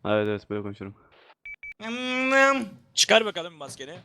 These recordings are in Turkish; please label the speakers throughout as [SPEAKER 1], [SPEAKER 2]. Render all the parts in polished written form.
[SPEAKER 1] Evet evet böyle konuşurum.
[SPEAKER 2] Çıkar bakalım maskeni.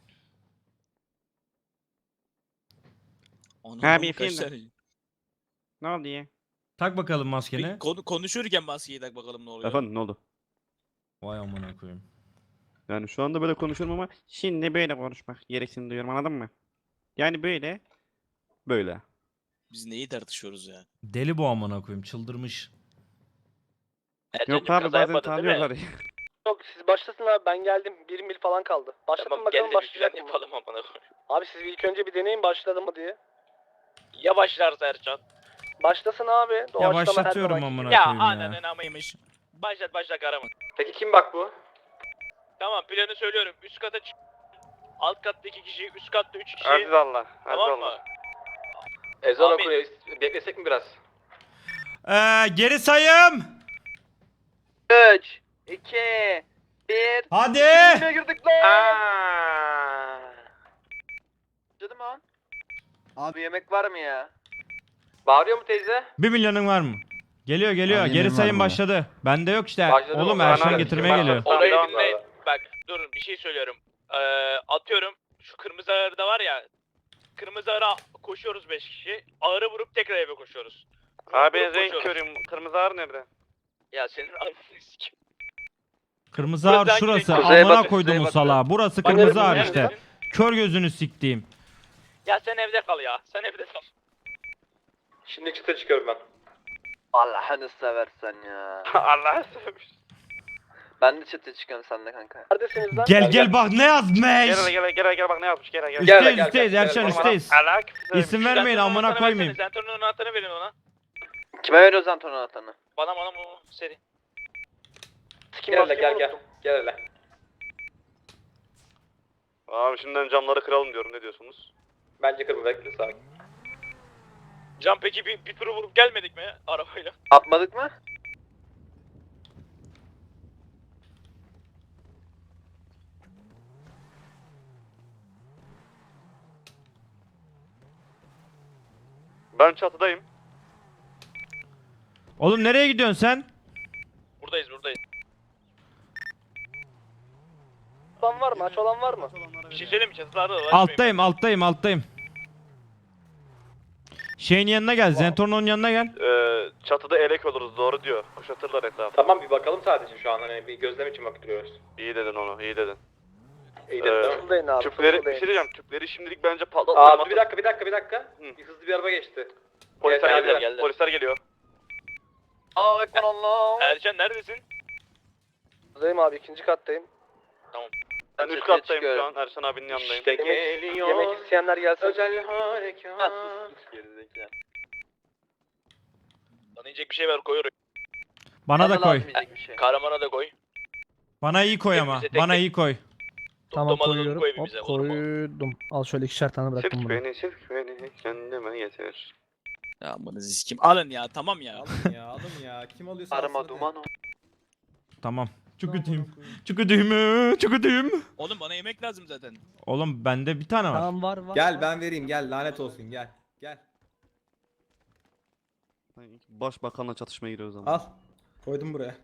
[SPEAKER 1] Ha,
[SPEAKER 2] Onu
[SPEAKER 1] bir
[SPEAKER 2] kaç
[SPEAKER 1] film de.
[SPEAKER 2] tane?
[SPEAKER 1] Ne oldu ya?
[SPEAKER 3] Tak bakalım maskeni.
[SPEAKER 2] Konuşurken maskeyi tak bakalım ne oluyor.
[SPEAKER 1] Efendim ne oldu?
[SPEAKER 3] Vay amına koyayım.
[SPEAKER 1] Yani şu anda böyle konuşuyorum ama şimdi böyle konuşmak gereksinini duyuyorum, anladın mı? Yani böyle. Böyle.
[SPEAKER 2] Biz neyi tartışıyoruz ya?
[SPEAKER 3] Deli bu amına koyayım, çıldırmış.
[SPEAKER 1] Yok abi bazen tanıyorlar ya.
[SPEAKER 4] Yok siz başlasın abi, ben geldim. 1 mil falan kaldı. Başlatın bakalım başlayacak mı?
[SPEAKER 2] yapalım amına koyayım.
[SPEAKER 4] Abi siz bir ilk önce bir deneyin başladı mı diye.
[SPEAKER 2] Ya başlarsa Ercan?
[SPEAKER 4] Başlasın abi.
[SPEAKER 3] Ya
[SPEAKER 4] Doğaçlama her
[SPEAKER 3] başlatıyorum
[SPEAKER 4] zamanki
[SPEAKER 3] amına
[SPEAKER 4] gibi.
[SPEAKER 2] Ya
[SPEAKER 3] koyayım ya.
[SPEAKER 2] ananın amıymış. Başla kahraman.
[SPEAKER 4] Peki kim bak bu?
[SPEAKER 2] Tamam planı söylüyorum. Üst kata çık. Alt katta 2 kişi, üst katta 3 kişi.
[SPEAKER 1] Aziz Allah.
[SPEAKER 2] Tamam mı?
[SPEAKER 4] Ezan
[SPEAKER 2] Amin.
[SPEAKER 4] okuyor. Beklesek mi biraz?
[SPEAKER 3] Geri sayım.
[SPEAKER 4] 3, 2, 1.
[SPEAKER 3] Hadi.
[SPEAKER 4] girdik lan. Canım an. Abi yemek var mı ya? Bağırıyor mu teyze?
[SPEAKER 3] 1 milyonun var mı? Geliyor.
[SPEAKER 1] Abi
[SPEAKER 3] Geri
[SPEAKER 1] yemin
[SPEAKER 3] sayım
[SPEAKER 1] var mı?
[SPEAKER 3] başladı. Bende yok işte.
[SPEAKER 4] Başladı
[SPEAKER 3] Oğlum
[SPEAKER 4] mı?
[SPEAKER 3] Erşan
[SPEAKER 1] Bana
[SPEAKER 3] getirmeye geliyor.
[SPEAKER 2] Orayı
[SPEAKER 4] Tamam,
[SPEAKER 2] dinleyin.
[SPEAKER 4] tamam.
[SPEAKER 2] Bak durun bir şey söylüyorum. Atıyorum şu kırmızı ağırda var ya. Kırmızı ağıra koşuyoruz 5 kişi. Ağırı vurup tekrar eve koşuyoruz.
[SPEAKER 1] Abi
[SPEAKER 2] Vurup
[SPEAKER 1] renk
[SPEAKER 2] koşuyoruz.
[SPEAKER 1] körüyüm. Kırmızı ağır nerede?
[SPEAKER 2] Ya senin ananı sikim.
[SPEAKER 3] Kırmızı
[SPEAKER 2] Burası
[SPEAKER 3] ağır
[SPEAKER 2] hangi
[SPEAKER 3] şurası.
[SPEAKER 2] renk?
[SPEAKER 4] Kuzeye
[SPEAKER 3] Amına
[SPEAKER 4] bakın,
[SPEAKER 3] koydum
[SPEAKER 4] kuzeye
[SPEAKER 3] bu
[SPEAKER 4] bakın.
[SPEAKER 3] salağa. Burası
[SPEAKER 4] Bak,
[SPEAKER 3] kırmızı ağır
[SPEAKER 2] neredesin?
[SPEAKER 3] işte. Kör gözünü siktiğim.
[SPEAKER 2] Ya sen evde kal ya. Sen evde kal.
[SPEAKER 4] Şimdi çıta çıkıyorum ben. Allah'ını seversen ya.
[SPEAKER 1] Allah'a sevmiş.
[SPEAKER 4] Ben de çıta çıkıyorum seninle kanka. Neredesiniz lan?
[SPEAKER 3] Gel bak ne yazmış.
[SPEAKER 1] Gel bak ne yapmış gel.
[SPEAKER 3] Üstteyiz Erşan üstteyiz. İsim vermeyin amına koymayayım.
[SPEAKER 2] Zentornun anahtarını verin ona.
[SPEAKER 4] Kime veriyoruz Anton'un anahtarını?
[SPEAKER 2] Bana seri.
[SPEAKER 4] Gel hele gel. Gel hele.
[SPEAKER 1] Abi şimdiden camları kıralım diyorum, ne diyorsunuz?
[SPEAKER 4] Bence kırma, bekle sakin.
[SPEAKER 2] Can peki bir turu vurup gelmedik mi arabayla?
[SPEAKER 4] Atmadık mı?
[SPEAKER 1] Ben çatıdayım.
[SPEAKER 3] Oğlum nereye gidiyorsun sen?
[SPEAKER 2] Buradayız.
[SPEAKER 4] Olan var mı? Aç olan var mı?
[SPEAKER 2] Bir şey söyleyeyim mi? Çatılarda da var.
[SPEAKER 3] Alttayım. Şeyin yanına gel. Zentorno'nun yanına gel.
[SPEAKER 1] Çatıda elek oluruz, doğru diyor. Kuşatırlar etrafı.
[SPEAKER 4] Tamam bir bakalım sadece şu an, hani bir gözlem için bakıyoruz.
[SPEAKER 1] İyi dedin onu, iyi dedin.
[SPEAKER 4] İyi de fısıldayın abi.
[SPEAKER 1] Tüpleri, bir şey diyeceğim, tüpleri şimdilik bence patlatmayalım.
[SPEAKER 4] Abi bir dakika.
[SPEAKER 1] Hı.
[SPEAKER 4] Bir hızlı bir araba geçti.
[SPEAKER 1] Polisler
[SPEAKER 4] Geldi.
[SPEAKER 1] geliyor, polisler geliyor.
[SPEAKER 4] Aa ekran Allah.
[SPEAKER 2] Ercan neredesin?
[SPEAKER 4] Buradayım abi, ikinci kattayım.
[SPEAKER 1] Ben üst kattayım şu an, Erşan abinin yanındayım.
[SPEAKER 4] İşte yemek isteyenler gelsin. Özel harekat.
[SPEAKER 2] Bana yiyecek bir şey ver koyuyorum.
[SPEAKER 3] Bana da koy.
[SPEAKER 2] Kahramana da koy.
[SPEAKER 3] Bana iyi koy ama.
[SPEAKER 2] Hepimize tek
[SPEAKER 3] Bana
[SPEAKER 2] tek.
[SPEAKER 3] iyi koy.
[SPEAKER 5] Tamam
[SPEAKER 2] Toplamadan
[SPEAKER 5] koyuyorum.
[SPEAKER 2] koy
[SPEAKER 5] Hop
[SPEAKER 2] bize, olur mu?
[SPEAKER 5] koydum. Al şöyle 2'şer tane bıraktım
[SPEAKER 1] Sirk
[SPEAKER 5] bunu.
[SPEAKER 1] beni kendime getir.
[SPEAKER 2] Ya bana ziskim. Alın ya tamam ya.
[SPEAKER 6] Alın ya. Kim alıyorsa
[SPEAKER 4] Arama
[SPEAKER 6] alsın hadi.
[SPEAKER 4] duman o.
[SPEAKER 3] Tamam. Çok ödeyim.
[SPEAKER 2] Oğlum bana yemek lazım zaten.
[SPEAKER 3] Oğlum bende bir tane var.
[SPEAKER 5] Tamam var.
[SPEAKER 6] Gel ben vereyim gel lanet olsun gel. Gel.
[SPEAKER 1] Başbakanla çatışmaya giriyoruz ama.
[SPEAKER 6] Al. Koydum buraya.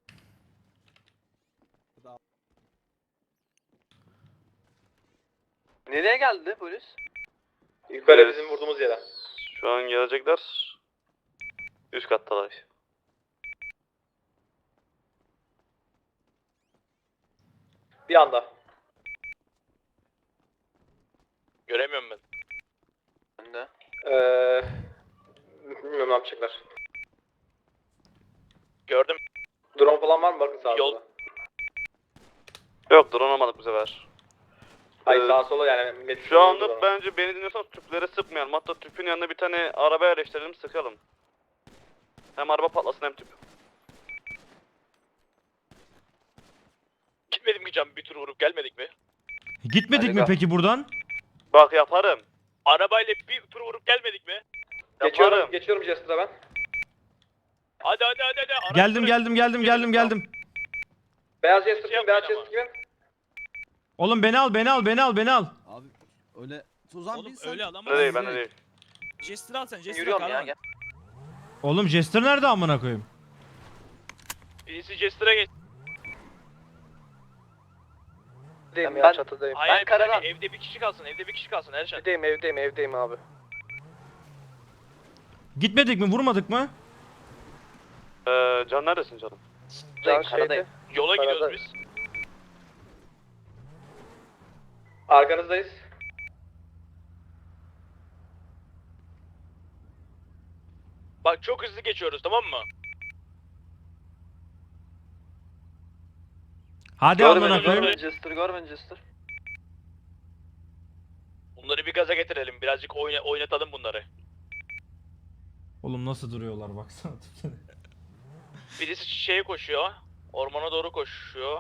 [SPEAKER 4] Nereye geldi polis? Yukarı
[SPEAKER 1] Evet.
[SPEAKER 4] bizim vurduğumuz yere.
[SPEAKER 1] Şu an gelecekler. Üst kattalar.
[SPEAKER 4] Bir anda.
[SPEAKER 2] Göremiyorum ben.
[SPEAKER 4] Ben de. Bilmiyorum ne yapacaklar.
[SPEAKER 2] Gördüm.
[SPEAKER 4] Drone falan var mı? Bakın sağa
[SPEAKER 2] Yol-
[SPEAKER 4] sola.
[SPEAKER 1] Yok, drone almadık bu sefer.
[SPEAKER 4] Hayır
[SPEAKER 1] Ee,
[SPEAKER 4] sağa sola yani. millet
[SPEAKER 1] Şu anda
[SPEAKER 4] drone.
[SPEAKER 1] bence beni dinliyorsanız tüpleri sıkmayalım. Hatta tüpün yanına bir tane araba yerleştirelim, sıkalım. Hem araba patlasın hem tüp.
[SPEAKER 2] Gitmedim ki Can bir tur vurup gelmedik mi?
[SPEAKER 3] Gitmedik mi
[SPEAKER 4] Hadi
[SPEAKER 3] peki buradan?
[SPEAKER 1] Bak yaparım.
[SPEAKER 2] Arabayla bir tur vurup gelmedik mi?
[SPEAKER 1] Yaparım.
[SPEAKER 4] Geçiyorum Jester'a ben.
[SPEAKER 2] Hadi. Araç
[SPEAKER 3] Geldim.
[SPEAKER 4] Beyaz Jester
[SPEAKER 2] Şey
[SPEAKER 4] kim? Beyaz
[SPEAKER 2] yapmayın
[SPEAKER 4] Jester kim?
[SPEAKER 3] Oğlum beni al.
[SPEAKER 6] Abi öyle Tuzan
[SPEAKER 2] Oğlum
[SPEAKER 6] bilsen.
[SPEAKER 2] öyle
[SPEAKER 1] Ne
[SPEAKER 2] alamazsın.
[SPEAKER 1] değil, ben de değil.
[SPEAKER 2] Jester al sen. Jester
[SPEAKER 4] Yürüyorum ya.
[SPEAKER 2] kahraman.
[SPEAKER 4] Gel.
[SPEAKER 3] Oğlum Jester nerede amına koyayım?
[SPEAKER 2] Birisi Jester'a geç.
[SPEAKER 4] Ben çatıdayım.
[SPEAKER 2] Hayır,
[SPEAKER 4] Ben karadan.
[SPEAKER 2] evde bir kişi kalsın, evde bir kişi kalsın Erşen.
[SPEAKER 4] Evdeyim abi.
[SPEAKER 3] Gitmedik mi? Vurmadık mı?
[SPEAKER 1] Can neredesin canım?
[SPEAKER 4] Karadayım.
[SPEAKER 2] Yola gidiyoruz biz.
[SPEAKER 4] Arkanızdayız.
[SPEAKER 2] Bak çok hızlı geçiyoruz, tamam mı?
[SPEAKER 3] Hadi amına koyayım.
[SPEAKER 4] Gormanchester.
[SPEAKER 2] Bunları bir gaza getirelim, birazcık oynatalım bunları.
[SPEAKER 3] Oğlum nasıl duruyorlar baksana.
[SPEAKER 2] Birisi şeye koşuyor, ormana doğru koşuyor.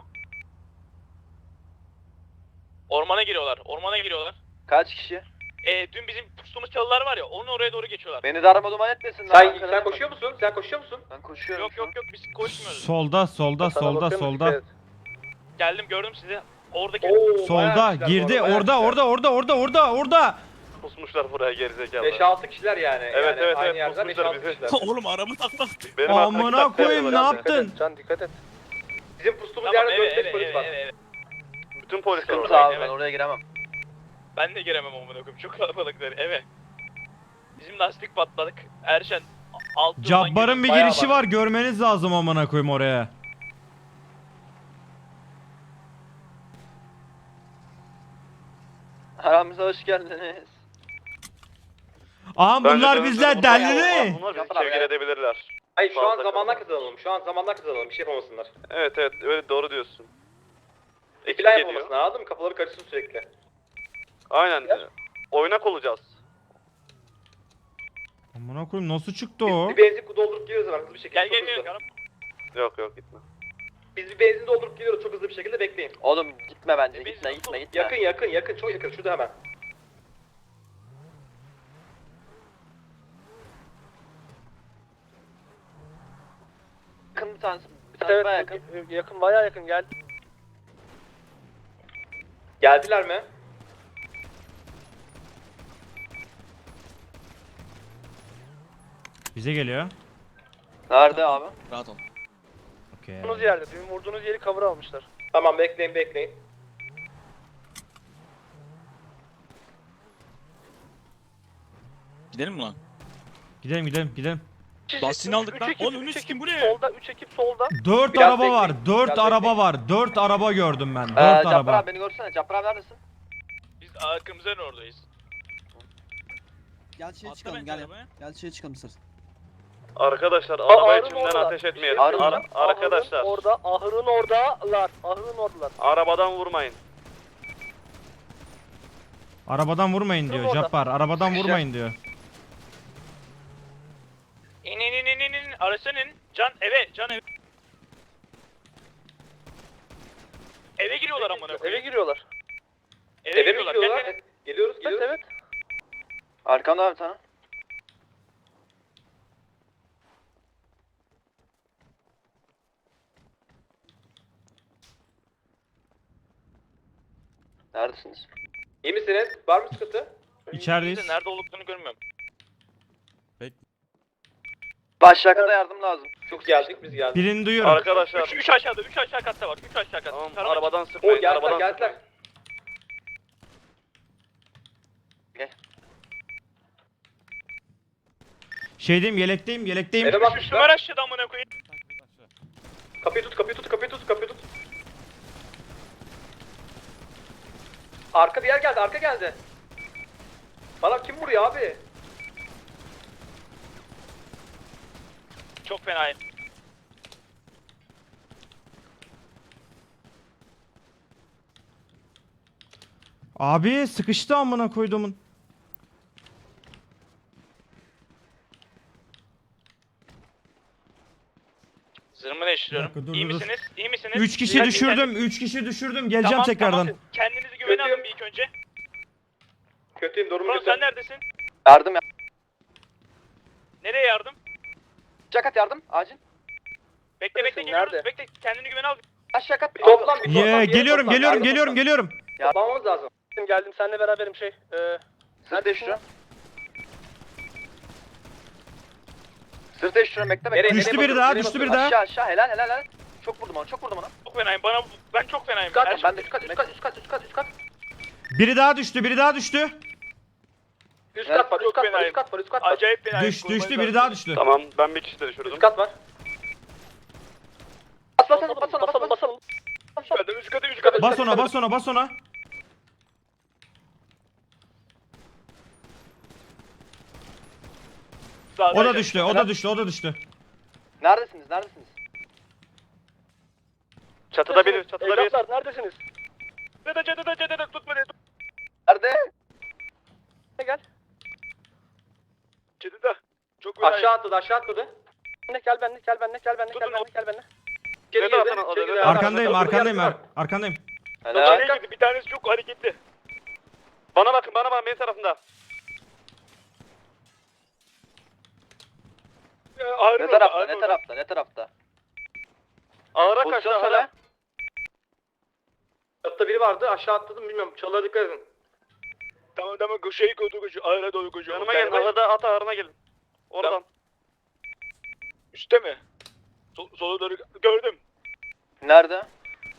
[SPEAKER 2] Ormana giriyorlar.
[SPEAKER 4] Kaç kişi?
[SPEAKER 2] Dün bizim pustuğumuz çalılar var ya, onun oraya doğru geçiyorlar.
[SPEAKER 4] Beni darma duman etmesinler.
[SPEAKER 7] Sen koşuyor musun? Sen koşuyor musun?
[SPEAKER 4] Ben koşuyorum.
[SPEAKER 2] Yok biz koşmuyoruz.
[SPEAKER 3] Solda.
[SPEAKER 2] Geldim, gördüm sizi. Oradaki
[SPEAKER 3] Solda girdi. Orada.
[SPEAKER 1] Pusmuşlar buraya gerizekalı.
[SPEAKER 7] 5-6 kişiler yani.
[SPEAKER 1] Evet,
[SPEAKER 7] yani
[SPEAKER 1] evet,
[SPEAKER 7] aynı
[SPEAKER 1] evet,
[SPEAKER 7] yerde
[SPEAKER 1] pusmuşlar
[SPEAKER 7] 5-6
[SPEAKER 1] bizi.
[SPEAKER 7] kişiler.
[SPEAKER 2] Oğlum aramı taklattı.
[SPEAKER 1] Benim
[SPEAKER 3] Amına
[SPEAKER 1] arkadaki
[SPEAKER 3] koyayım ne
[SPEAKER 1] taktiğe
[SPEAKER 3] yaptın?
[SPEAKER 4] Can dikkat et.
[SPEAKER 7] Bizim pustuğumuz
[SPEAKER 2] Tamam,
[SPEAKER 7] yerde
[SPEAKER 2] eve
[SPEAKER 7] 4-5 polis var.
[SPEAKER 1] Bütün polisler
[SPEAKER 4] Sıkıntı
[SPEAKER 1] orada.
[SPEAKER 4] abi
[SPEAKER 2] evet.
[SPEAKER 4] ben oraya giremem.
[SPEAKER 2] Ben de giremem amına koyayım, çok kalabalıklar eve. Bizim lastik patladık. Erşen alt yoldan
[SPEAKER 3] Cabbar'ın bir
[SPEAKER 2] giriyor, bayağı
[SPEAKER 3] girişi var. Görmeniz lazım amına koyayım oraya.
[SPEAKER 4] Aramıza hoş geldiniz.
[SPEAKER 3] Aha bunlar bizler delili.
[SPEAKER 1] Bunlar bizi
[SPEAKER 4] Yapar
[SPEAKER 1] sevgili
[SPEAKER 4] ya.
[SPEAKER 1] edebilirler.
[SPEAKER 7] Hayır şu an
[SPEAKER 1] Fazla
[SPEAKER 7] zamanlar
[SPEAKER 1] kalabalık.
[SPEAKER 7] kazanalım. Bir şey yapamasınlar.
[SPEAKER 1] Evet öyle doğru diyorsun. Ekip
[SPEAKER 7] Plan
[SPEAKER 1] geliyor.
[SPEAKER 7] yapamasınlar, anladın mı? Kafaları karışsın sürekli.
[SPEAKER 1] Aynen. Oynak olacağız.
[SPEAKER 3] Amına koyayım nasıl çıktı o?
[SPEAKER 7] Bir benzin doldurup geliyoruz hemen hızlı bir şekilde.
[SPEAKER 2] Gel
[SPEAKER 7] çok hızlı.
[SPEAKER 1] Yok gitme.
[SPEAKER 7] Biz bir benzin doldurup geliyoruz çok hızlı bir şekilde, bekleyin.
[SPEAKER 4] Oğlum gitme bence.
[SPEAKER 2] Biz
[SPEAKER 4] Gitme.
[SPEAKER 7] Yakın çok yakın şurada hemen.
[SPEAKER 4] Yakın bir tanesi. Bir tanesi bayağı yakın. Yakın bayağı yakın geldi.
[SPEAKER 7] Geldiler mi?
[SPEAKER 3] Bize geliyor.
[SPEAKER 4] Nerede abi?
[SPEAKER 3] Okey.
[SPEAKER 4] Vurduğunuz yerde. Dün vurduğunuz yeri cover almışlar.
[SPEAKER 7] Tamam bekleyin.
[SPEAKER 8] Gidelim mi lan?
[SPEAKER 3] Gidelim.
[SPEAKER 8] Lastiğini aldık lan. Oğlum önü sikim bu ne?
[SPEAKER 4] Solda 3 ekip solda.
[SPEAKER 3] 4
[SPEAKER 7] Biraz
[SPEAKER 3] araba var.
[SPEAKER 7] bekleyin,
[SPEAKER 3] 4
[SPEAKER 7] biraz
[SPEAKER 3] araba
[SPEAKER 7] bekleyin.
[SPEAKER 3] var. 4 araba gördüm ben. 4
[SPEAKER 4] Cappar
[SPEAKER 3] araba.
[SPEAKER 4] abi beni görsene. Cappar abi neredesin?
[SPEAKER 2] Biz kırmızı evin oradayız.
[SPEAKER 6] Gel şeye
[SPEAKER 8] Atla
[SPEAKER 6] çıkalım
[SPEAKER 8] bence
[SPEAKER 6] gel.
[SPEAKER 8] arabaya.
[SPEAKER 6] Gel şeye çıkalım istersen.
[SPEAKER 1] Arkadaşlar araba
[SPEAKER 4] Ağrın
[SPEAKER 1] içinden
[SPEAKER 4] oradalar.
[SPEAKER 1] ateş etmeyelim.
[SPEAKER 4] Bir şey diyeceğim.
[SPEAKER 1] Arkadaşlar
[SPEAKER 4] Ahırın oradalar.
[SPEAKER 1] arabadan vurmayın.
[SPEAKER 3] Arabadan vurmayın diyor
[SPEAKER 4] orada.
[SPEAKER 3] Cappar. Arabadan vurmayın diyor.
[SPEAKER 2] İn. Araçtan in. Can eve. Eve giriyorlar amına koyayım.
[SPEAKER 4] giriyorlar.
[SPEAKER 2] Eve
[SPEAKER 7] Eve mi
[SPEAKER 2] giriyorlar.
[SPEAKER 7] gidiyorlar?
[SPEAKER 2] Gel.
[SPEAKER 7] Geliyoruz.
[SPEAKER 4] Evet. Arkamda abi bir tane. Neredesiniz?
[SPEAKER 7] İyi misiniz? Var mı sıkıntı?
[SPEAKER 3] İçerideyiz.
[SPEAKER 2] Nerede olduklarını görmüyorum.
[SPEAKER 4] Başlakta yardım lazım.
[SPEAKER 7] Çok geldik biz geldik.
[SPEAKER 3] Birini duyuyorum.
[SPEAKER 1] Arkadaşlar
[SPEAKER 2] 3 aşağıda, 3 aşağı katta var. 3 aşağı katta.
[SPEAKER 1] tamam
[SPEAKER 2] Tarama
[SPEAKER 1] arabadan
[SPEAKER 7] O
[SPEAKER 1] sıkmayın.
[SPEAKER 7] geldiler
[SPEAKER 1] Arabadan
[SPEAKER 7] geldiler.
[SPEAKER 1] sıkmayın.
[SPEAKER 3] Şeydeyim, yelekteyim.
[SPEAKER 7] Eve
[SPEAKER 2] Üstüme
[SPEAKER 7] bakmışlar.
[SPEAKER 2] aşağıda amına koyayım.
[SPEAKER 7] Kapıyı tut. Arka bir yer geldi, arka geldi. Bana kim vuruyor abi?
[SPEAKER 2] Çok fenayım.
[SPEAKER 3] Abi sıkıştı amına koyduğumun.
[SPEAKER 2] Zırhımı değiştiriyorum.
[SPEAKER 3] Bir dakika, dur,
[SPEAKER 2] İyi
[SPEAKER 3] dur, dur.
[SPEAKER 2] misiniz? İyi misiniz?
[SPEAKER 3] 3 kişi
[SPEAKER 2] Dikkat-
[SPEAKER 3] düşürdüm. 3 kişi düşürdüm. Geleceğim
[SPEAKER 2] Tamam,
[SPEAKER 3] tekrardan.
[SPEAKER 2] tamam. Kendinizi güvene
[SPEAKER 7] Kötüyüm.
[SPEAKER 2] alın bir ilk önce.
[SPEAKER 7] Kötüyüm, durum
[SPEAKER 2] Murat
[SPEAKER 7] kötü.
[SPEAKER 2] sen neredesin?
[SPEAKER 4] Yardım ya.
[SPEAKER 2] Nereye yardım?
[SPEAKER 4] Şakat yardım. Acil.
[SPEAKER 2] Bekle
[SPEAKER 4] Neredesin,
[SPEAKER 2] geliyoruz.
[SPEAKER 4] nerede?
[SPEAKER 2] Bekle kendini güvene al.
[SPEAKER 4] Şakat.
[SPEAKER 7] Bir toplan, bir toplan.
[SPEAKER 3] Ye,
[SPEAKER 7] bir yere
[SPEAKER 3] geliyorum,
[SPEAKER 7] toplan,
[SPEAKER 3] geliyorum,
[SPEAKER 7] bir yere
[SPEAKER 3] geliyorum,
[SPEAKER 7] toplan.
[SPEAKER 3] geliyorum.
[SPEAKER 7] Toplanmamız lazım.
[SPEAKER 4] Geldim seninle beraberim şey. Sırt değiştiriyorum. Sırt değiştiriyorum bekle bekle.
[SPEAKER 7] Nereye
[SPEAKER 3] Düştü biri
[SPEAKER 7] bakıyorsun?
[SPEAKER 3] daha,
[SPEAKER 7] Nereye
[SPEAKER 3] düştü biri
[SPEAKER 7] bakıyorsun?
[SPEAKER 3] daha.
[SPEAKER 4] Aşağı helal.
[SPEAKER 7] Çok vurdum ona, çok vurdum ona.
[SPEAKER 2] Çok fenayım. Ben çok fenayım.
[SPEAKER 7] Üst kat,
[SPEAKER 2] Her şey-
[SPEAKER 7] ben de üst kat, üst kat, üst kat, üst kat, üst kat.
[SPEAKER 3] Biri daha düştü, biri daha düştü.
[SPEAKER 7] Üst kat var,
[SPEAKER 2] Çok
[SPEAKER 7] üst kat var,
[SPEAKER 2] fenayım.
[SPEAKER 7] üst kat var, üst kat var.
[SPEAKER 2] Acayip fenayım.
[SPEAKER 3] Düştü, biri daha düştü.
[SPEAKER 1] Tamam ben bir kişi de düşürdüm.
[SPEAKER 7] Üst kat var. Basalım, basalım, basalım.
[SPEAKER 2] Üst katı, üst katı.
[SPEAKER 3] Bas ona, bas ona, bas ona. O da düştü, o da düştü, o da düştü.
[SPEAKER 7] Neredesiniz, neredesiniz?
[SPEAKER 1] Çatıda biri, çatıda biri.
[SPEAKER 7] Evlatlar, neredesiniz?
[SPEAKER 2] Çatıda tutma diye.
[SPEAKER 7] Nerede? Gel.
[SPEAKER 2] Çatıda. Çok fenayım.
[SPEAKER 7] Aşağı atladı, aşağı atladı. Gel benimle, gel benimle, gel benimle, gel benimle, gel benimle. İçeri girdi, içeri girdi.
[SPEAKER 3] Arkandayım,
[SPEAKER 7] Arkada,
[SPEAKER 3] arkandayım,
[SPEAKER 7] arkada.
[SPEAKER 3] arkandayım.
[SPEAKER 2] İçeriye girdi. Bir tanesi çok hareketli.
[SPEAKER 1] Bana bakın benim tarafımda.
[SPEAKER 2] Ağrı
[SPEAKER 7] Ne tarafta, ne tarafta, ne tarafta?
[SPEAKER 1] Ağıra
[SPEAKER 7] Pozisyon
[SPEAKER 1] kaçtı
[SPEAKER 7] söyle.
[SPEAKER 1] hala.
[SPEAKER 7] Çatıda biri vardı, aşağı atladım bilmiyorum. Çalığa dikkat edin.
[SPEAKER 2] Tamam şey koşuyor. Ağrıya doğru koşuyor.
[SPEAKER 1] Yanıma gelin, ağırda at ağırına gelin. Oradan.
[SPEAKER 2] Üste mi? Sola doğru gördüm.
[SPEAKER 7] Nerede?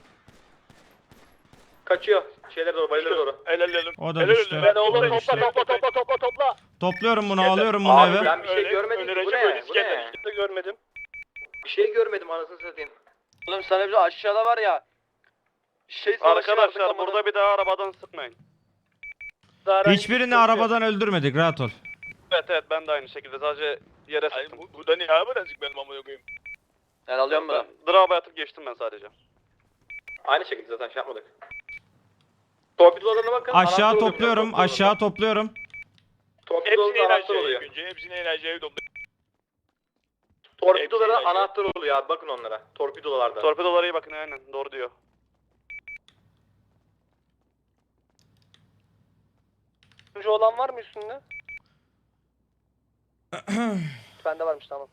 [SPEAKER 7] Kaçıyor. Şeylere doğru, bayılara doğru.
[SPEAKER 2] El.
[SPEAKER 3] O da düştü.
[SPEAKER 2] Ben
[SPEAKER 3] O
[SPEAKER 2] oğlum
[SPEAKER 3] da düştü.
[SPEAKER 2] topla.
[SPEAKER 3] Topluyorum bunu, alıyorum bunu
[SPEAKER 7] Abi
[SPEAKER 3] eve.
[SPEAKER 7] ben bir şey görmedim ki. Bu ne? Bu ne?
[SPEAKER 2] de görmedim.
[SPEAKER 7] Bir şey görmedim anasını satayım. Oğlum sana bir aşağıda var ya. Şey
[SPEAKER 1] Arkadaşlar burada bir daha arabadan sıkmayın.
[SPEAKER 3] Hiçbirini arabadan öldürmedik, rahat ol.
[SPEAKER 1] Evet ben de aynı şekilde sadece yere
[SPEAKER 2] Ay
[SPEAKER 1] sıktım.
[SPEAKER 2] bu da ne abi birazcık benim amına koyayım.
[SPEAKER 7] Ben alıyorum bunu.
[SPEAKER 1] Drop'a atıp geçtim ben sadece.
[SPEAKER 7] Aynı şekilde zaten şey yapmadık. Torpidolarına bakın.
[SPEAKER 3] Aşağı
[SPEAKER 7] anahtar oluyor
[SPEAKER 3] topluyorum,
[SPEAKER 7] torpidolarına.
[SPEAKER 3] aşağı topluyorum.
[SPEAKER 2] Hepsini
[SPEAKER 7] Torpidolarında anahtar
[SPEAKER 2] enerjiye
[SPEAKER 7] oluyor.
[SPEAKER 2] önce. Hepsini enerjiye topla.
[SPEAKER 7] Torpidolara
[SPEAKER 2] Hepsini
[SPEAKER 7] anahtar oluyor abi bakın onlara. Torpidolarda.
[SPEAKER 1] Torpidolara iyi bakın aynen doğru diyor.
[SPEAKER 7] Turuncu olan var mı üstünde? Bende varmış tamam.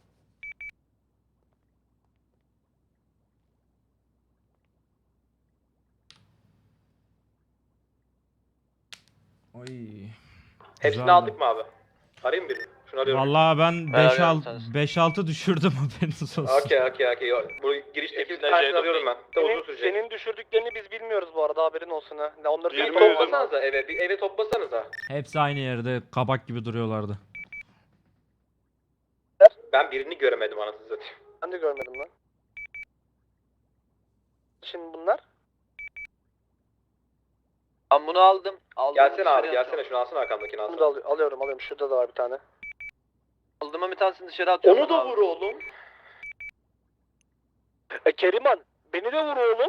[SPEAKER 3] Oy.
[SPEAKER 7] Hepsini
[SPEAKER 3] Güzeldi.
[SPEAKER 7] aldık mı abi? Arayayım birini. Şunu arıyorum.
[SPEAKER 3] Vallahi ben
[SPEAKER 7] arıyorum
[SPEAKER 3] 5-6 düşürdüm haberiniz olsun.
[SPEAKER 7] Okey. Bu girişteki bir
[SPEAKER 2] Hepsini
[SPEAKER 7] tanesini
[SPEAKER 2] C'ye
[SPEAKER 7] arıyorum ben. De uzun sürecek.
[SPEAKER 4] Senin düşürdüklerini biz bilmiyoruz bu arada haberin olsun ha. Ne onları
[SPEAKER 7] Bir
[SPEAKER 2] Bilmiyorum.
[SPEAKER 7] toplasanıza eve. Bir eve toplasanıza.
[SPEAKER 3] Hepsi aynı yerde kabak gibi duruyorlardı.
[SPEAKER 7] Ben birini göremedim anasını satayım.
[SPEAKER 4] Ben de görmedim lan. Şimdi bunlar?
[SPEAKER 9] Ben bunu aldım.
[SPEAKER 7] Gelsene abi gelsene şunu alsana arkamdakini
[SPEAKER 4] Bunu
[SPEAKER 7] alsana.
[SPEAKER 4] da alıyorum. Şurada da var bir tane.
[SPEAKER 9] Aldığıma bir tanesini dışarı atıyorum.
[SPEAKER 7] Onu da
[SPEAKER 9] abi.
[SPEAKER 7] vur oğlum.
[SPEAKER 4] Keriman beni de vur oğlum.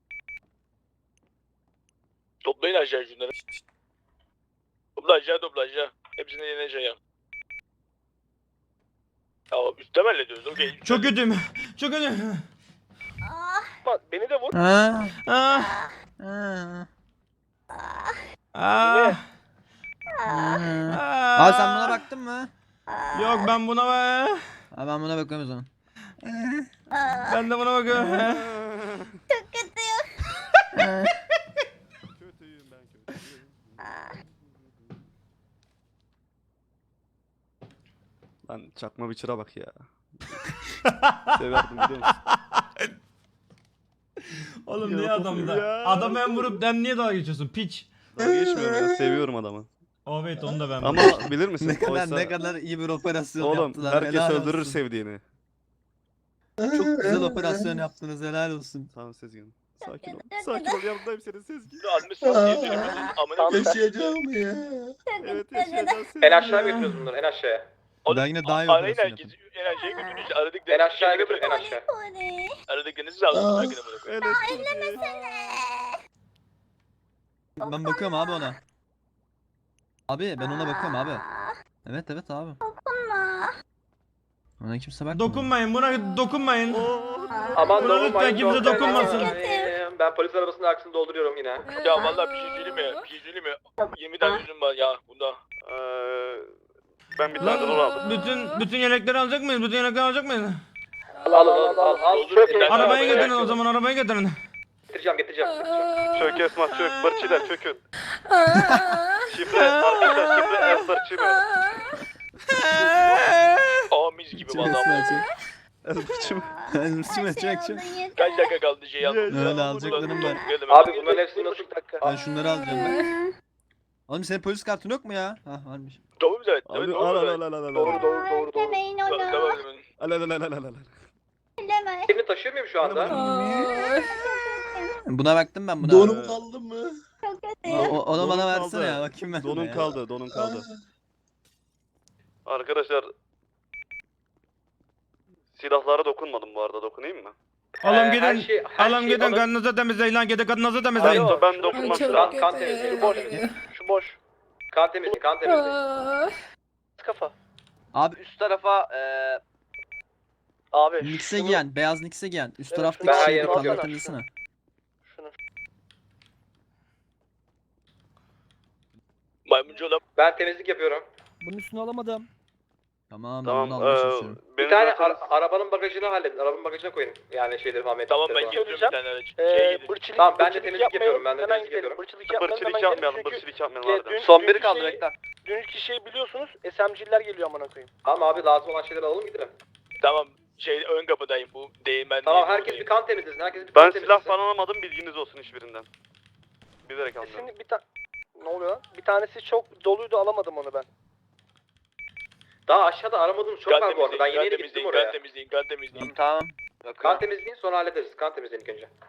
[SPEAKER 2] Toplayın aşağı şunları. Topla aşağı. Hepsini yeneceğim. Ya üstte mi hallediyoruz? Okey.
[SPEAKER 3] Çok kötüyüm. Çok kötüyüm.
[SPEAKER 4] Bak beni de vur.
[SPEAKER 3] Ah. Ah.
[SPEAKER 10] Abi sen buna baktın mı?
[SPEAKER 3] Yok ben buna
[SPEAKER 10] Abi ben buna bakıyorum o zaman.
[SPEAKER 3] Ben de buna bakıyorum.
[SPEAKER 1] Kötüyüm ben kötüyüm. Lan çakma biçire bak ya. Severdim biliyor musun?
[SPEAKER 3] Oğlum niye
[SPEAKER 1] Ya,
[SPEAKER 3] adamda?
[SPEAKER 1] ya.
[SPEAKER 3] Adamı hem vurup sen niye dalga geçiyorsun? Piç.
[SPEAKER 1] Daha geçmiyorum ya seviyorum adamı.
[SPEAKER 3] Evet onu da ben.
[SPEAKER 1] Ama bilir misin?
[SPEAKER 10] Ne kadar
[SPEAKER 1] Oysa-
[SPEAKER 10] ne kadar iyi bir operasyon
[SPEAKER 1] Oğlum
[SPEAKER 10] yaptılar.
[SPEAKER 1] herkes
[SPEAKER 10] helal
[SPEAKER 1] öldürür
[SPEAKER 10] olsun.
[SPEAKER 1] sevdiğini.
[SPEAKER 10] Çok güzel operasyon yaptınız helal olsun.
[SPEAKER 1] Tamam Sezgin. Sakin ol. Sakin ol yanındayım senin Sezgin.
[SPEAKER 2] Almışsın diye düşünüyorum. Amına
[SPEAKER 10] Yaşayacağım ya.
[SPEAKER 1] Evet yaşayacağız Sezgin.
[SPEAKER 7] En aşağı götürüyoruz bunları en aşağıya.
[SPEAKER 10] Ben yine daha iyi
[SPEAKER 2] Arayın
[SPEAKER 10] operasyon
[SPEAKER 2] herkes.
[SPEAKER 10] yaptım.
[SPEAKER 2] Enerjiye götürün işte. Aradık
[SPEAKER 7] En aşağıya götür en aşağı.
[SPEAKER 2] Aradıklarınızı da alın. Bırakın amına koyayım.
[SPEAKER 1] Evet.
[SPEAKER 10] Ben bakıyorum abi ona. Abi ben ona bakıyorum abi. Evet abi. Ona kimse bakmıyor.
[SPEAKER 3] Dokunmayın buna dokunmayın.
[SPEAKER 7] Aman
[SPEAKER 3] Buna lütfen
[SPEAKER 7] dokunmayın,
[SPEAKER 3] kimse dokunmasın.
[SPEAKER 7] Ben polis arabasının arkasını dolduruyorum yine.
[SPEAKER 2] Ya vallahi bir şey söyleyeyim mi? Bir şey söyleyeyim mi? 20 tane üzüm var ya bunda.
[SPEAKER 1] Ben bir tane rol aldım.
[SPEAKER 3] Bütün yelekleri alacak mıyız? Bütün yelekleri alacak mıyız?
[SPEAKER 7] Al.
[SPEAKER 2] Çok iyi.
[SPEAKER 3] Arabaya getirin o zaman arabaya getirin.
[SPEAKER 7] Getireceğim.
[SPEAKER 1] Çök Esma çök. Bırçılar çökün. Şifre arkadaşlar şifre Esmer çiğme.
[SPEAKER 2] Aa mis gibi vallahi.
[SPEAKER 1] Elbırçım.
[SPEAKER 10] Çek.
[SPEAKER 2] Kaç dakika kaldı şeyi
[SPEAKER 1] Öyle
[SPEAKER 2] almamıza?
[SPEAKER 10] alacaklarım var.
[SPEAKER 7] Abi bunların hepsini nasıl...
[SPEAKER 10] Ben şunları alacağım ben. Oğlum senin polis kartın yok mu ya? Hah varmış.
[SPEAKER 2] Doğru mu evet?
[SPEAKER 1] Abi
[SPEAKER 2] Evet,
[SPEAKER 1] al
[SPEAKER 2] doğru
[SPEAKER 1] al
[SPEAKER 2] mu
[SPEAKER 1] al
[SPEAKER 2] evet?
[SPEAKER 1] al al al.
[SPEAKER 7] Doğru.
[SPEAKER 2] Tamam.
[SPEAKER 1] Al al al al al al.
[SPEAKER 7] Elini taşıyor muyum şu anda?
[SPEAKER 10] Buna baktım ben buna.
[SPEAKER 1] Donum
[SPEAKER 6] Aldın mı?
[SPEAKER 10] Onu
[SPEAKER 1] Donun
[SPEAKER 10] bana
[SPEAKER 1] kaldı.
[SPEAKER 10] versene ya bakayım ben.
[SPEAKER 1] Donun
[SPEAKER 10] ya.
[SPEAKER 1] kaldı, donun kaldı.
[SPEAKER 11] Arkadaşlar silahlara dokunmadım bu arada, dokunayım mı?
[SPEAKER 3] Alın
[SPEAKER 7] Her
[SPEAKER 3] gidin.
[SPEAKER 7] şey- her
[SPEAKER 3] Alın
[SPEAKER 7] şey
[SPEAKER 3] gidin
[SPEAKER 7] alın.
[SPEAKER 3] kanınızı temizleyin lan. Gidin kanınızı temizleyin.
[SPEAKER 7] Alo.
[SPEAKER 11] Ben dokunmam.
[SPEAKER 7] Kan temizliği. Şu boş. Şu boş. Kan temizliği. Kan temizliği. Kafa.
[SPEAKER 10] Abi
[SPEAKER 9] Üst tarafa
[SPEAKER 7] Abi
[SPEAKER 10] Nix'e giyen, beyaz Nix'e giyen. Üst
[SPEAKER 7] Evet,
[SPEAKER 10] taraftaki
[SPEAKER 7] ben her
[SPEAKER 10] şeyi
[SPEAKER 7] yere
[SPEAKER 10] de
[SPEAKER 7] bakıyorum.
[SPEAKER 10] kaldırtırsana.
[SPEAKER 7] Şunu.
[SPEAKER 2] Maymuncu olan
[SPEAKER 7] Ben temizlik yapıyorum.
[SPEAKER 5] Bunun üstünü alamadım.
[SPEAKER 10] Tamam ben
[SPEAKER 11] Tamam.
[SPEAKER 10] bunu almaya çalışıyorum.
[SPEAKER 7] Bir
[SPEAKER 11] Beni
[SPEAKER 7] tane
[SPEAKER 11] zaten-
[SPEAKER 7] arabanın bagajını halledin. Arabanın bagajına koyun. Yani şeyleri falan.
[SPEAKER 2] tamam ben
[SPEAKER 7] metrikleri falan.
[SPEAKER 2] getiriyorum bir tane araç. Şey gidin.
[SPEAKER 7] Tamam ben de temizlik yapıyorum. Ben de temizlik yapıyorum.
[SPEAKER 11] Bırçılık yapmayalım, bırçılık yapmayalım harbiden.
[SPEAKER 9] son biri kaldı bekle.
[SPEAKER 7] Dünkü şeyi biliyorsunuz. SMG'ler geliyor amına koyayım. Tamam abi lazım olan şeyleri alalım gidelim.
[SPEAKER 2] Tamam şey ön kapıdayım bu değmen.
[SPEAKER 7] Tamam herkes bir kan temizlesin. Herkes bir
[SPEAKER 11] Ben
[SPEAKER 7] kan
[SPEAKER 11] silah
[SPEAKER 7] temizlesin.
[SPEAKER 11] falan almadım, bilginiz olsun hiçbirinden. Bilerek almıyorum.
[SPEAKER 7] Şimdi bir tane... Ne oluyor lan? Bir tanesi çok doluydu alamadım onu ben. Daha aşağıda aramadığım çok var bu arada. Ben yeni gittim oraya.
[SPEAKER 2] Kan temizleyin, kan temizleyin.
[SPEAKER 9] Tamam.
[SPEAKER 7] Kan temizleyin sonra hallederiz. Kan temizleyin ilk önce.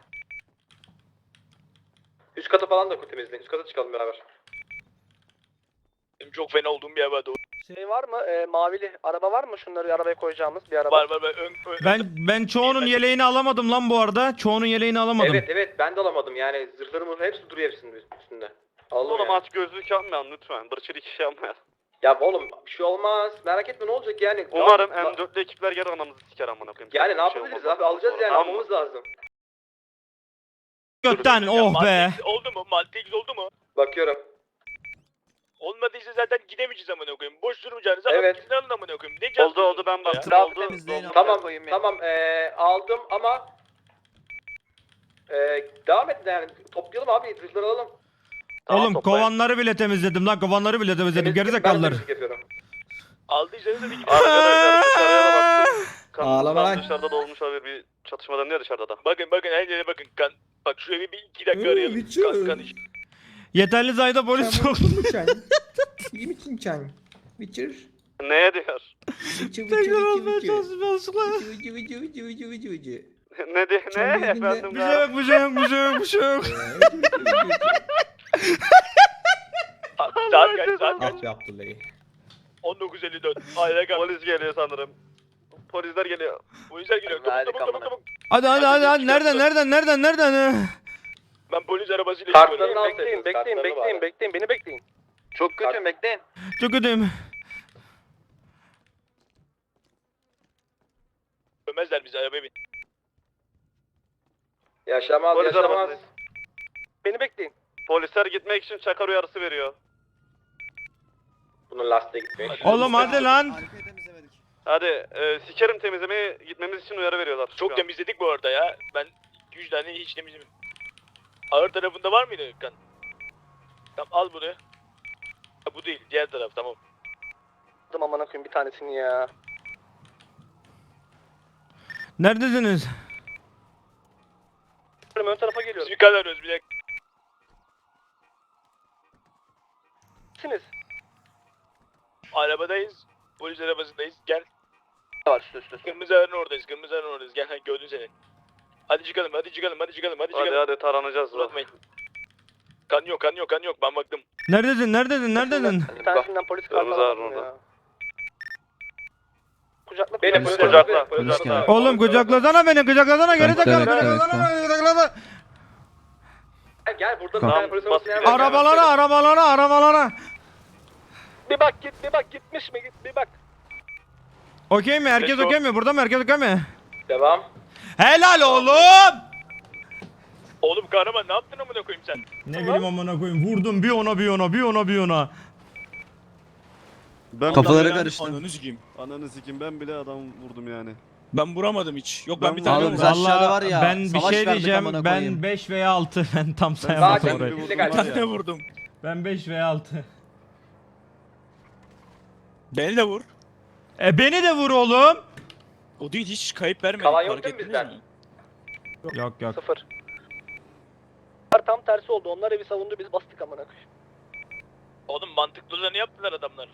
[SPEAKER 7] Üst katı falan da temizleyin. Üst kata çıkalım beraber.
[SPEAKER 2] Benim çok fena olduğum bir yer var doğru.
[SPEAKER 7] Şey var mı? Mavili araba var mı? Şunları arabaya koyacağımız bir araba.
[SPEAKER 2] Var ön.
[SPEAKER 3] Ben çoğunun yeleğini alamadım lan bu arada. Çoğunun yeleğini alamadım.
[SPEAKER 7] Evet ben de alamadım yani zırhlarımın hepsi duruyor hepsinin üstünde. Aldım
[SPEAKER 11] Oğlum
[SPEAKER 7] ya.
[SPEAKER 11] aç gözlük yapmayalım lütfen. Bırçılık işi yapmayalım.
[SPEAKER 7] Ya oğlum bir şey olmaz merak etme ne olacak yani.
[SPEAKER 11] Umarım
[SPEAKER 7] Ya-
[SPEAKER 11] M4'lü ekipler gelir anamızı siker amına koyayım.
[SPEAKER 7] Yani ne
[SPEAKER 11] Bir şey
[SPEAKER 7] yapabiliriz
[SPEAKER 11] olmaz
[SPEAKER 7] abi alacağız yani
[SPEAKER 11] Tamam mı?
[SPEAKER 7] almamız lazım.
[SPEAKER 3] Gökten oh be.
[SPEAKER 2] Oldu mu? Maltex oldu mu?
[SPEAKER 7] Bakıyorum.
[SPEAKER 2] Olmadıysa zaten gidemeyeceğiz amına koyayım. Boş durmayacağınıza
[SPEAKER 7] Evet.
[SPEAKER 2] gidin alın amına koyayım. Ne
[SPEAKER 11] Oldu ben baktım
[SPEAKER 9] Daha
[SPEAKER 11] oldu.
[SPEAKER 10] temizleyin.
[SPEAKER 7] Tamam aldım ama devam edin yani toplayalım abi zırhları alalım.
[SPEAKER 3] Oğlum
[SPEAKER 11] toplayın.
[SPEAKER 3] kovanları bile temizledim lan. Kovanları bile temizledim.
[SPEAKER 7] Temizlik- ben
[SPEAKER 3] Gerizekalılar.
[SPEAKER 7] temizlik yapıyorum.
[SPEAKER 2] Aldıysanız da bir gidin.
[SPEAKER 11] Arkadaşlar dışarıya da baktım.
[SPEAKER 6] Ağlama lan.
[SPEAKER 11] Dışarıda da olmuş olabilir, bir çatışma dönüyor dışarıda da.
[SPEAKER 2] Bakın her yere bakın. Kan. Bak şu evi bir 2 dakika arayalım. Kan iş.
[SPEAKER 3] Yeterli sayıda polis yok.
[SPEAKER 11] Neye diyor?
[SPEAKER 3] Tekrar olmaya çalışmaya.
[SPEAKER 11] Ne diyor? Ne efendim?
[SPEAKER 3] Bir şey yok, bir şey yok, bir şey yok, bir şey yok.
[SPEAKER 2] Saat kaç?
[SPEAKER 6] Ah be Abdullah'ı.
[SPEAKER 2] 19.54. Aile kal.
[SPEAKER 11] Polis geliyor sanırım. Polisler geliyor.
[SPEAKER 2] Polisler geliyor.
[SPEAKER 9] Hadi
[SPEAKER 2] Çabuk.
[SPEAKER 3] Hadi. Nereden?
[SPEAKER 2] Ben polis arabasıyla
[SPEAKER 7] Kartlarını al
[SPEAKER 2] gidiyorum.
[SPEAKER 7] bekleyin beni bekleyin.
[SPEAKER 9] Çok kötü bekleyin.
[SPEAKER 3] Çok ödeyim.
[SPEAKER 2] Ömezler bizi arabaya bin.
[SPEAKER 7] Yaşamaz
[SPEAKER 11] Polis
[SPEAKER 7] yaşamaz.
[SPEAKER 11] arabası.
[SPEAKER 7] Beni bekleyin.
[SPEAKER 11] Polisler gitmek için çakar uyarısı veriyor.
[SPEAKER 7] Bunun lastiğe gitmiyor.
[SPEAKER 3] Oğlum hadi lan.
[SPEAKER 10] Arkayı temizlemedik.
[SPEAKER 11] Hadi sikerim temizlemeye gitmemiz için uyarı veriyorlar. şu
[SPEAKER 2] Çok
[SPEAKER 11] an.
[SPEAKER 2] temizledik bu arada ya. Ben 200 tane hiç temizlemedim. Ağır tarafında var mıydı kan? Tamam al bunu. Ha, bu değil diğer taraf tamam.
[SPEAKER 7] Aldım amına koyayım bir tanesini ya.
[SPEAKER 3] Neredesiniz?
[SPEAKER 7] Ön tarafa geliyorum.
[SPEAKER 2] Biz bir karar arıyoruz bir dakika.
[SPEAKER 7] Siz?
[SPEAKER 2] Arabadayız. Polis arabasındayız. Gel.
[SPEAKER 9] Var üst.
[SPEAKER 2] Kırmızı arın oradayız. Gel gördün seni. Hadi çıkalım.
[SPEAKER 11] Hadi taranacağız biraz.
[SPEAKER 2] Unutmayın. Kan yok. Ben baktım.
[SPEAKER 3] Neredesin?
[SPEAKER 7] Bir tanesinden polis kartı
[SPEAKER 11] Kırmızı
[SPEAKER 7] aldım
[SPEAKER 11] arın
[SPEAKER 7] ya.
[SPEAKER 11] orada.
[SPEAKER 7] Kucakla.
[SPEAKER 10] Beni
[SPEAKER 7] Polis
[SPEAKER 11] kucakla.
[SPEAKER 10] Polis geldi.
[SPEAKER 3] Oğlum kucaklasana beni, kucaklasana. Gerizekalı,
[SPEAKER 10] Bekle,
[SPEAKER 3] kucaklasana.
[SPEAKER 7] Gel burada bir
[SPEAKER 11] Tamam,
[SPEAKER 7] tane polis
[SPEAKER 11] bas
[SPEAKER 7] arabası
[SPEAKER 11] gidelim.
[SPEAKER 3] Arabalara.
[SPEAKER 7] Bir bak gitmiş mi bir bak.
[SPEAKER 3] Okey mi? Herkes
[SPEAKER 11] Peki,
[SPEAKER 3] okey mi? Burada mı? Herkes okey mi?
[SPEAKER 7] Devam.
[SPEAKER 3] Helal oğlum.
[SPEAKER 2] Oğlum kahraman ne yaptın amına koyayım sen?
[SPEAKER 3] Ne bileyim amına koyayım. Vurdum bir ona.
[SPEAKER 1] Ben
[SPEAKER 10] Kafaları karıştı.
[SPEAKER 8] Ananı sikeyim.
[SPEAKER 1] Ananı sikim ben bile adam vurdum yani.
[SPEAKER 8] Ben vuramadım hiç. Yok
[SPEAKER 1] Ben
[SPEAKER 8] ben bir tane
[SPEAKER 10] Abi biz
[SPEAKER 8] vurdum.
[SPEAKER 10] aşağıda var ya.
[SPEAKER 3] Ben bir
[SPEAKER 10] savaş
[SPEAKER 3] şey
[SPEAKER 10] verdik
[SPEAKER 3] diyeceğim.
[SPEAKER 10] amına
[SPEAKER 3] Ben
[SPEAKER 10] koyayım.
[SPEAKER 3] 5 veya 6. Ben tam
[SPEAKER 7] Daha
[SPEAKER 3] sayamadım
[SPEAKER 7] çok
[SPEAKER 3] orayı.
[SPEAKER 1] bir
[SPEAKER 7] illegal.
[SPEAKER 8] Bir tane vurdum.
[SPEAKER 3] Ben 5 veya 6.
[SPEAKER 8] Beni de vur.
[SPEAKER 3] Beni de vur oğlum.
[SPEAKER 8] O değil hiç kayıp vermedik.
[SPEAKER 7] Kalan yok
[SPEAKER 8] fark
[SPEAKER 7] değil mi
[SPEAKER 8] ettiniz
[SPEAKER 7] bizden?
[SPEAKER 8] mi?
[SPEAKER 3] Yok yok.
[SPEAKER 7] 0. Tam tersi oldu. Onlar evi savundu biz bastık amına koyayım.
[SPEAKER 2] Oğlum mantıklı olanı yaptılar adamlar.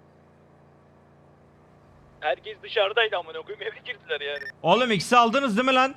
[SPEAKER 2] Herkes dışarıdaydı amına koyayım eve girdiler yani.
[SPEAKER 3] Oğlum X'i aldınız değil mi lan?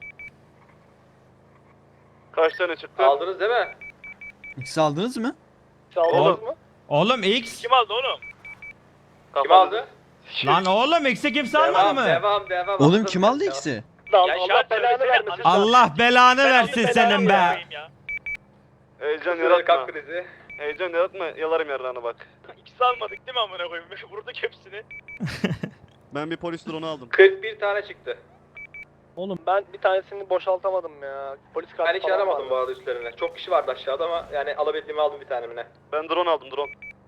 [SPEAKER 11] Kaç tane çıktı?
[SPEAKER 4] Aldınız değil mi?
[SPEAKER 10] İkisi aldınız mı?
[SPEAKER 7] Sağladınız mı?
[SPEAKER 3] Oğlum X.
[SPEAKER 2] Kim aldı oğlum?
[SPEAKER 4] Kim aldı?
[SPEAKER 3] Lan oğlum X'i kimse almadı mı?
[SPEAKER 4] Devam.
[SPEAKER 10] Oğlum kim aldı ikisi?
[SPEAKER 7] Lan
[SPEAKER 2] Ya
[SPEAKER 7] Allah
[SPEAKER 2] şart
[SPEAKER 7] belanı
[SPEAKER 2] söylesene,
[SPEAKER 7] vermesin.
[SPEAKER 3] Allah belanı versin
[SPEAKER 2] belanı
[SPEAKER 3] senin be.
[SPEAKER 2] koyayım ya.
[SPEAKER 11] Heyecan
[SPEAKER 4] Kalp
[SPEAKER 11] yaratma.
[SPEAKER 4] krizi.
[SPEAKER 11] Heyecan yaratma. Yalarım yarrağına bak.
[SPEAKER 2] İkisi almadık değil mi amına koyayım? Vurduk hepsini.
[SPEAKER 1] Ben bir polis drone'u aldım.
[SPEAKER 4] 41 tane çıktı.
[SPEAKER 7] Oğlum ben bir tanesini boşaltamadım ya. Polis kartı
[SPEAKER 4] Ben hiç
[SPEAKER 7] falan
[SPEAKER 4] aramadım
[SPEAKER 7] vardı.
[SPEAKER 4] bu arada üstlerine. Çok kişi vardı aşağıda ama yani alabildiğimi aldım bir tanemine.
[SPEAKER 11] Ben drone aldım drone.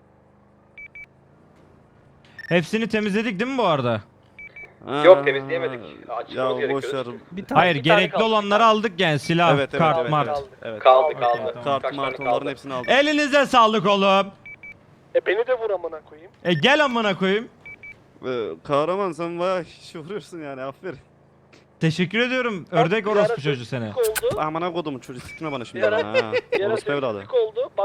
[SPEAKER 3] Hepsini temizledik değil mi bu arada?
[SPEAKER 4] Yok, temizleyemedik.
[SPEAKER 1] Ya
[SPEAKER 4] Açmamız
[SPEAKER 1] boş
[SPEAKER 4] gerekiyor.
[SPEAKER 1] ver.
[SPEAKER 5] Bir tane,
[SPEAKER 3] Hayır
[SPEAKER 7] bir tane
[SPEAKER 3] gerekli
[SPEAKER 7] kaldı,
[SPEAKER 3] olanları
[SPEAKER 7] bir tane.
[SPEAKER 3] aldık yani silah,
[SPEAKER 1] Evet evet
[SPEAKER 3] kart,
[SPEAKER 1] evet,
[SPEAKER 3] mart.
[SPEAKER 1] evet. Evet.
[SPEAKER 4] Kaldı.
[SPEAKER 3] Okey, tamam.
[SPEAKER 1] Kart
[SPEAKER 4] Kaç tane
[SPEAKER 1] mart onların
[SPEAKER 4] kaldı?
[SPEAKER 1] hepsini aldım.
[SPEAKER 3] Elinize sağlık oğlum.
[SPEAKER 7] Beni de vur amına koyayım.
[SPEAKER 3] Gel amına koyayım.
[SPEAKER 1] Kahraman sen bayağı iş vuruyorsun yani aferin.
[SPEAKER 3] Teşekkür ediyorum. Ördek
[SPEAKER 7] Bir ara
[SPEAKER 3] orospu çocuğu seni.
[SPEAKER 7] sessizlik oldu.
[SPEAKER 1] Amına kodumun çocuğu sikme bana şimdi
[SPEAKER 7] Bir ara-
[SPEAKER 1] bana ha.
[SPEAKER 7] Bir ara
[SPEAKER 1] Orospu evladı.
[SPEAKER 7] sessizlik oldu.